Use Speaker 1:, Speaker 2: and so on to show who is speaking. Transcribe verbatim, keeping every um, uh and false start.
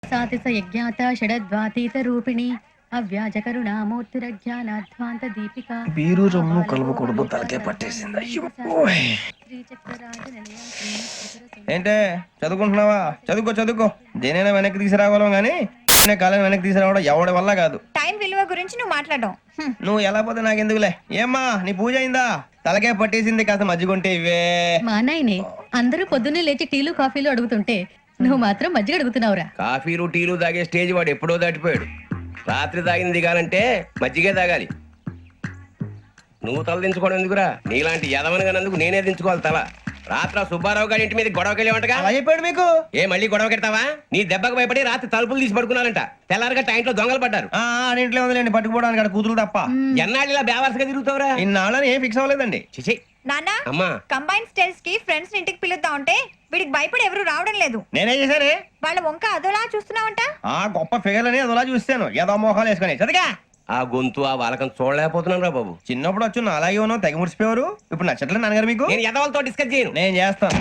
Speaker 1: సాతిస యజ్ఞాత షడద్వాతీత రూపిణి అవ్యాజ కరుణామూర్తిరజ్ఞానాధ్వాంత దీపిక
Speaker 2: బీరు రొమ్ము కలుపుకూడదు తలకే పట్టేసింది. అయ్యో ఓయ్. ఏంటే చదువుకుంటున్నావా? చదువుకో చదువుకో. దేనైనా వెనక్కి తీసుకురావాలం గానీ కాలం వెనక్కి తీసుకురావడం ఎవడి వల్ల కాదు.
Speaker 3: టైం విలువ గురించి నువ్వు మాట్లాడడం
Speaker 2: నువ్వు ఎలా పోతే నాకెందుకులే. ఏమ్మా నీ పూజ అయిందా? తలకే పట్టేసింది, కాస్త మజ్జిగుంటే ఇవే.
Speaker 1: మా నాయనే అందరూ పొద్దున్నే లేచి టీలు కాఫీలు అడుగుతుంటే నువ్వు మాత్రం మజ్జిగ అడుగుతున్నావురా.
Speaker 4: కాఫీలు టీలు తాగే స్టేజ్ వాడు ఎప్పుడో దాటిపోయాడు. రాత్రి తాగింది దిగాలంటే మజ్జిగే తాగాలి. నువ్వు తల దించుకోవడం ఎందుకురా? నీలాంటి యదవనగానందుకు నేనే దించుకోవాలి తల. రాత్ర సుబ్బారావు గారి ఇంటి మీద గొడవకెళ్ళేవంటగా.
Speaker 2: అలా చెప్పాడు మీకు?
Speaker 4: ఏ మళ్ళీ గొడవ కెడతావా? నీ దెబ్బకు భయపడి రాత్రి తలుపులు తీసి పడుకున్నారంట. తెల్లారగా టైంట్లో దొంగలు పడ్డారు.
Speaker 2: ఆ ఆడింట్లో ఉందిలేండి, పట్టుకుపోవడానికి అక్కడ కూతురు తప్ప.
Speaker 4: ఎన్నాళ్ళు ఇలా బేవర్స్గా తిరుగుతావురా?
Speaker 2: ఇన్నాళ్ళని ఏం ఫిక్స్ అవ్వలేదండి.
Speaker 4: చిచి
Speaker 3: నాన్న
Speaker 4: అమ్మా.
Speaker 3: కంబైన్ స్టైల్స్ కి ఫ్రెండ్స్ ఇంటికి పిలుద్దాం అంటే వీడికి భయపడి ఎవరు రావడం లేదు.
Speaker 2: నేనేం చేశానే?
Speaker 3: వాళ్ళ వంక అదోలా చూస్తున్నావంట.
Speaker 2: ఆ గొప్ప ఫిగర్ అని అదోలా చూస్తాను. ఏదో మోహాలు వేసుకొని చదిగా
Speaker 4: ఆ గొంతు ఆ వాలకం చూడలేకపోతున్నాను రా బాబు.
Speaker 2: చిన్నప్పుడు వచ్చి నా అలాగే ఉన్నావు, తెగ ముడిచిపోయారు. ఇప్పుడు నచ్చట్లేదు నాన్నగారు మీకు?
Speaker 4: నేను యదవలతో డిస్కస్ చేయను.
Speaker 2: నేను చేస్తాను.